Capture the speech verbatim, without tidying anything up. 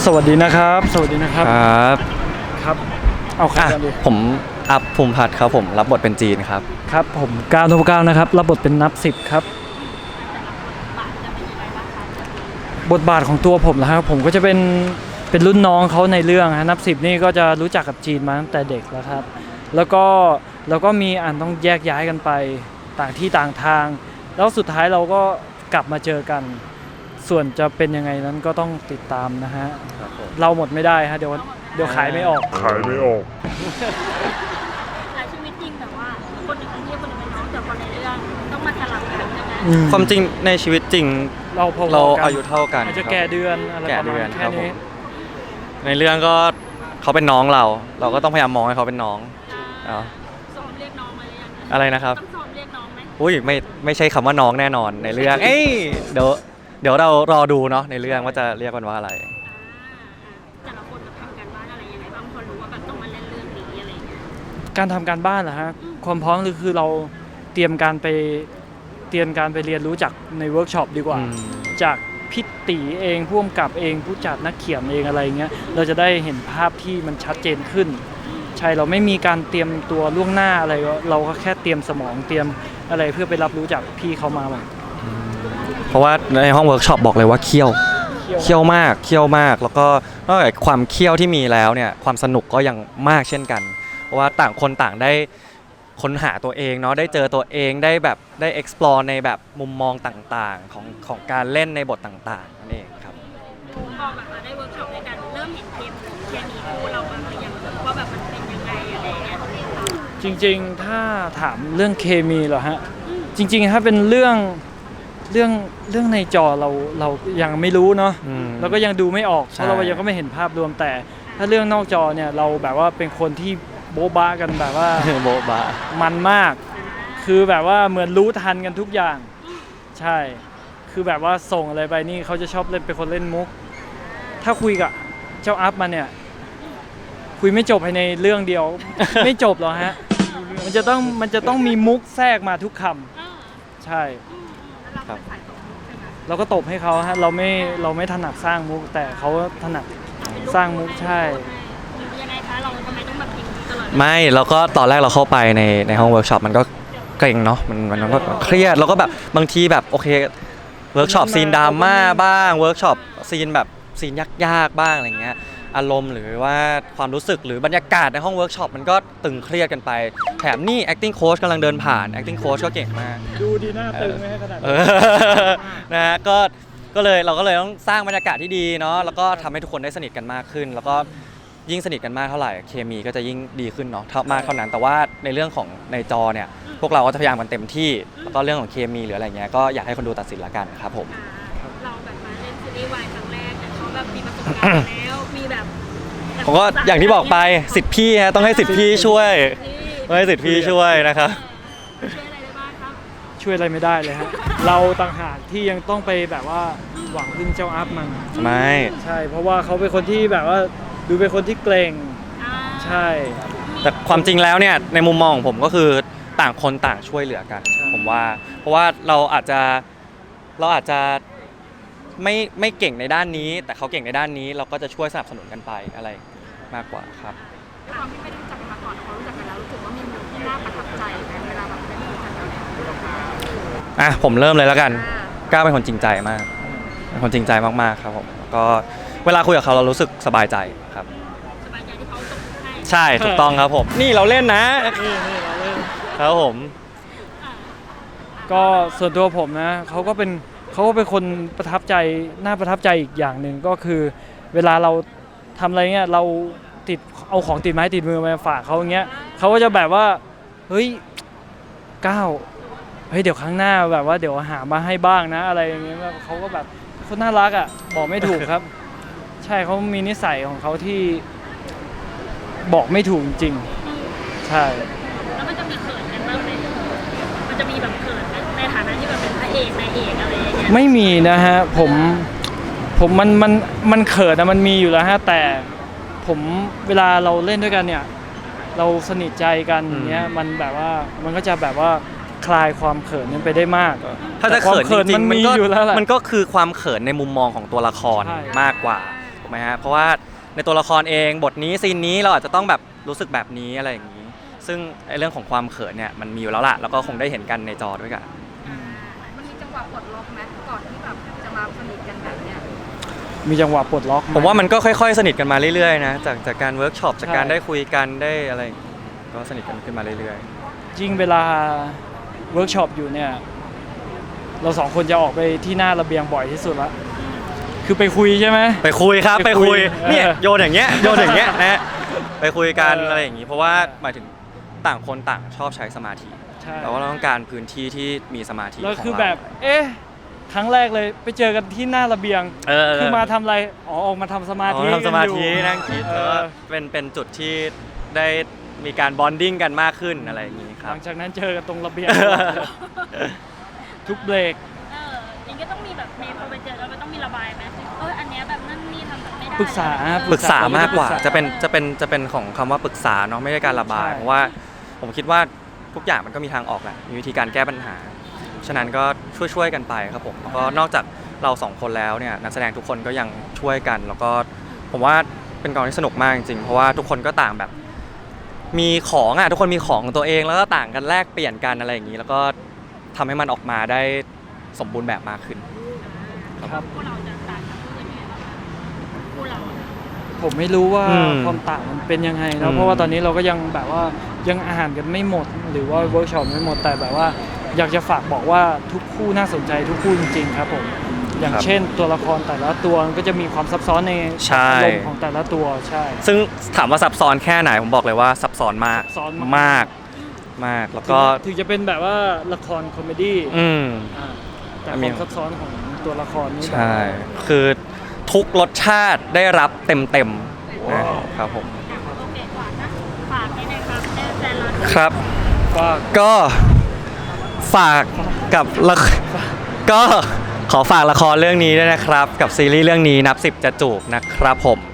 วัสดีนะครับสวัสดีนะครับครับครับเอาใครกันดีผมอัพภูมิพัฒน์ครับผมรับบทเป็นจีนครับครับผมก้าวนพเก้านะครับรับบทเป็นนับสิบครับบทบาทของตัวผมนะครับผมก็จะเป็นเป็นรุ่นน้องเขาในเรื่องฮะนับสิบนี่ก็จะรู้จักกับจีนมาตั้งแต่เด็กแล้วครับแล้วก็แล้วก็มีอันต้องแยกย้ายกันไปต่างที่ต่างทางแล้วสุดท้ายเราก็กลับมาเจอกันส่วนจะเป็นยังไงนั้นก็ต้องติดตามนะฮะเราหมดไม่ได้ฮะเดี๋ยวเดี๋ยวขายไม่ออกขายไม่ออกแต่ชีวิตจริงแบบว่าคนหนึ่งเป็นพี่คนหนึ่งเป็นน้องแต่พอในเรื่องต้องมาสลับกันใช่ไหมความจริงในชีวิตจริงเราพอเราอายุเท่ากันอาจจะแก่เดือนอะไรประมาณแค่นี้ในเรื่องก็เขาเป็นน้องเราเราก็ต้องพยายามมองให้เขาเป็นน้องซ้อมเรียกน้องมาหรือยังอะไรนะครับต้องซ้อมเรียกน้องไหมอุ้ยไม่ไม่ใช่คำว่าน้องแน่นอนในเรื่องเอ้ยเดี๋ยวเดี๋ยวเรารอดูเนาะในเรื่องว่าจะเรียกกันว่าอะไรแต่ละคนจะทำการบ้านอะไรยังไงบ้างพอรู้ว่าแบบต้องมาเล่นเรื่องนี้อะไรอย่างเงี้ยการทำการบ้านเหรอฮะความพร้อมคือเราเตรียมการไปเตรียมการไปเรียนรู้จากในเวิร์กช็อปดีกว่าจากพิตีเองผู้กำกับเองผู้จัดนักเขียนเองอะไรเงี้ยเราจะได้เห็นภาพที่มันชัดเจนขึ้นใช่เราไม่มีการเตรียมตัวล่วงหน้าอะไรเราก็แค่เตรียมสมองเตรียมอะไรเพื่อไปรับรู้จากพี่เขามาหมดเพราะว่าในห้องเวิร์กช็อปบอกเลยว่าเคี่ยวเคี่ยวมากเคี่ยวมากแล้วก็นอกจากความเคี่ยวที่มีแล้วเนี่ยความสนุกก็ยังมากเช่นกันเพราะว่าต่างคนต่างได้ค้นหาตัวเองเนาะได้เจอตัวเองได้แบบได้ explore ในแบบมุมมองต่างๆของของการเล่นในบทต่างๆนั่นเองครับพอแบบมาได้เวิร์กช็อปในการเริ่มเห็นเทปเคมีคู่เราบ้างหรือยังว่าแบบมันเป็นยังไงอะไรเงี้ยจริงๆถ้าถามเรื่องเคมีเหรอฮะจริงๆถ้าเป็นเรื่องเรื่องเรื่องในจอเราเรายังไม่รู้เนาะเราก็ยังดูไม่ออกเพราะเรายังก็ไม่เห็นภาพรวมแต่ถ้าเรื่องนอกจอเนี่ยเราแบบว่าเป็นคนที่โบ๊ะบ้ากันแบบว่าโบ๊ะบ้ามันมากคือแบบว่าเหมือนรู้ทันกันทุกอย่างใช่คือแบบว่าส่งอะไรไปนี่เขาจะชอบเล่นเป็นคนเล่นมุกถ้าคุยกับเจ้าอัพมาเนี่ยคุยไม่จบภายในเรื่องเดียวไม่จบหรอกฮะมันจะต้องมันจะต้องมีมุกแทรกมาทุกคำใช่เราก็ตบให้เขาฮะเราไม่เราไม่ถนัดสร้างมุกแต่เขาถนัดสร้างมุกใช่ยังไงคะเราทำไมต้องแบบพิมพ์ตลอดไม่แล้วก็ตอนแรกเราเข้าไปในในห้องเวิร์กช็อปมันก็เกรงเนาะมันมันก็เครียดแล้วก็แบบบางทีแบบโอเคเวิร์กช็อปซีนดราม่าบ้างเวิร์กช็อปซีนแบบซีนยากๆบ้างอะไรเงี้ยอารมณ์หรือว่าความรู้สึกหรือบรรยากาศในห้องเวิร์กช็อปมันก็ตึงเครียดกันไปแถมนี่ acting coach กำลังเดินผ่าน acting coach ก็เก่งมากดูดีหน้าตึงไหมขนาดนี้นะฮะก็ก็เลยเราก็เลยต้องสร้างบรรยากาศที่ดีเนาะแล้วก็ทำให้ทุกคนได้สนิทกันมากขึ้นแล้วก็ยิ่งสนิทกันมากเท่าไหร่เคมีก็จะยิ่งดีขึ้นเนาะเท่ามากเท่านั้นแต่ว่าในเรื่องของในจอเนี่ยพวกเราก็จะพยายามกันเต็มที่แล้วก็เรื่องของเคมีหรืออะไรเงี้ยก็อยากให้คนดูตัดสินละกันครับผมเราแบบมาเล่นซีรีส์วายครั้งแรกแต่เขาแบบมีประสบการณ์แล้วมีแบบผมก็อย่างที่บอกไปสิทธิ์พี่ฮะต้องให้สิทธิ์พี่ช่วยต้องให้สิทธิ์พี่ช่วยนะครับช่วยอะไรได้บ้างครับช่วยอะไรไม่ได้เลยฮะเราต่างหากที่ยังต้องไปแบบว่าหวังพึ่งเจ้าอัพมันไม่ใช่เพราะว่าเขาเป็นคนที่แบบว่าดูเป็นคนที่เกรงใช่แต่ความจริงแล้วเนี่ยในมุมมองของผมก็คือต่างคนต่างช่วยเหลือกันผมว่าเพราะว่าเราอาจจะเราอาจจะไม่ไม่เก่งในด้านนี้แต่เขาเก่งในด้านนี้เราก็จะช่วยสนับสนุนกันไปอะไรมากกว่าครับความที่ไม่ได้รู้จักกันมาก่อนเขารู้จักกันแล้วรู้สึกว่ามีมุมที่น่าประทับใจไหมเวลาแบบได้รู้จักกันอ่ะผมเริ่มเลยแล้วกันก้าวเป็นคนจริงใจมากเป็นคนจริงใจมากๆครับผมก็เวลาคุยกับเขาเรารู้สึกสบายใจครับสบายใจที่เขาตกให้ใช่ถูกต้องครับผมนี่เราเล่นนะนี่นี่เราเล่นครับผมก็ส่วนตัวผมนะเขาก็เป็นเขาก็เป็นคนประทับใจน่าประทับใจอีกอย่างหนึ่งก็คือเวลาเราทำอะไรเงี้ยเราติดเอาของติดไม้ติดมือมาฝากเขาอย่างเงี้ยเขาก็จะแบบว่าเฮ้ยก้าวเฮ้ยเดี๋ยวครั้งหน้าแบบว่าเดี๋ยวหามาให้บ้างนะอะไรอย่างเงี้ยเขาก็แบบคนน่ารักอ่ะบอกไม่ถูกครับใช่เขามีนิสัยของเขาที่บอกไม่ถูกจริงใช่แล้วมันจะมีเขินกันบ้างไหมมันจะมีแบบเขินในฐานะที่แบบเป็นพระเอกนายเอกอะไรอย่างเงี้ยไม่มีนะฮะผมผมมันมันมันเขินนะมันมีอยู่แล้วฮะแต่ผมเวลาเราเล่นด้วยกันเนี่ยเราสนิทใจกันอย่างเงี้ยมันแบบว่ามันก็จะแบบว่าคลายความเขินนั้นไปได้มากถ้าจะเขินจริงๆมันก็มันก็คือความเขินในมุมมองของตัวละครมากกว่าไหมฮะเพราะว่าในตัวละครเองบทนี้ซีนนี้เราอาจจะต้องแบบรู้สึกแบบนี้อะไรอย่างนี้ ซึ่งไอ้เรื่องของความเขินเนี่ยมันมีอยู่แล้วล่ะแล้วก็คงได้เห็นกันในจอด้วยกันมันมีจังหวะปลดล็อกไหมก่อนที่แบบจะมาสนิทกันแบบเนี้ยมีจังหวะปลดล็อกไหผมว่ามันก็ค่อยๆ สนิทกันมาเรื่อยๆนะจากจากการเวิร์กช็อปจากการใช่ได้คุยกันได้อะไรอย่างงี้ก็สนิทกันขึ้นมาเรื่อยจริงเวลาเวิร์กช็อปอยู่เนี่ยเราสองคนจะออกไปที่หน้าระเบียงบ่อยที่สุดละคือไปคุยใช่ไหมๆ ไปคุยครับไปไปคุคุยยเออเนี่ยโยนอย่างเงี้ยโยนอย่างเงี้ยนะฮะไปคุยกันเออออะไรอย่างงี้ เพราะว่าหมายถึงต่างคนต่างชอบใช้สมาธิใช่แต่ว่าเราต้องการพื้นที่ที่มีสมาธิแล้วของคือเราแบบ เอ๊ะ ครั้งแรกเลยไปเจอกันที่หน้าระเบียงเออคือมาทำอะไร อ๋อ ออกมาทำสมาอ๋ธิอทำสมาธิกัอยู่นั่งคิดเอแล้วอก็เป็นเป็นจุดที่ได้มีการบอนดิ้งกันมากขึ้นอะไรอย่างงี้คหรับลังจากนั้นเจอกันตรงระเบียง ทุกเบรกเออยังก็ต้องมีแบบเมย์พอไปเจอแล้วมันต้องมีระบายไหมเอออันเนี้ยแบบนั่นนี่ทำแบบไม่ได้ปรึกษาเออปรึกษามากกว่าปรึกษาจะเป็นจะเป็นจะเป็นของคำว่าปรึกษาเนาะไม่ใช่การระบายใช่เพราะว่าผมคิดว่าทุกอย่างมันก็มีทางออกแหละมีวิธีการแก้ปัญหา ฉะนั้นก็ช่วยช่วยๆกันไปครับผมแล้วก็นอกจากเราสองคนแล้วเนี่ยนักแสดงทุกคนก็ยังช่วยกัน แล้วก็ผมว่าเป็นกองที่สนุกมากจริงๆเพราะว่าทุกคนก็ต่างแบบ มีของอ่ะทุกคนมีของของตัวเองแล้วก็ต่างกันแลกเปลี่ยนกันอะไรอย่างนี้ แล้วก็ทำให้มันออกมาได้สมบูรณ์แบบมากขึ้นครับพวกเราจะต่างจากคู่อื่นยังไงบ้างคะคู่เราผมไม่รู้ว่าอืมความต่างมันเป็นยังไงอืนะมเพราะว่าตอนนี้เราก็ยังแบบว่ายังอ่านกันไม่หมด หรือว่าเวิร์กช็อปไม่หมด แต่แบบว่าอยากจะฝากบอกว่าทุกคู่น่าสนใจทุกคู่จริงๆครับผม อย่างเช่นตัวละครแต่ละตัวมันก็จะมีความซับซ้อนในใช่อารมณ์ของแต่ละตัวใช่ซึ่งถามว่าซับซ้อนแค่ไหนผมบอกเลยว่าซับซ้อนมากซับซ้อนมากมากมากแล้วถึก็งถึงจะเป็นแบบว่าละครคอมเมดี้อืมอ่าแต่มีความซับซ้อนของตัวละครนี่แบบใช่ คือทุกรสชาติได้รับเต็มๆนะครับผมโอเคฝากนะฝากนิดนึงครับให้แฟนเราครับก็ก็ฝากกับละก็ขอฝากละครเรื่องนี้ด้วยนะครับ กับซีรีส์เรื่องนี้นับสิบจะจูบนะครับผม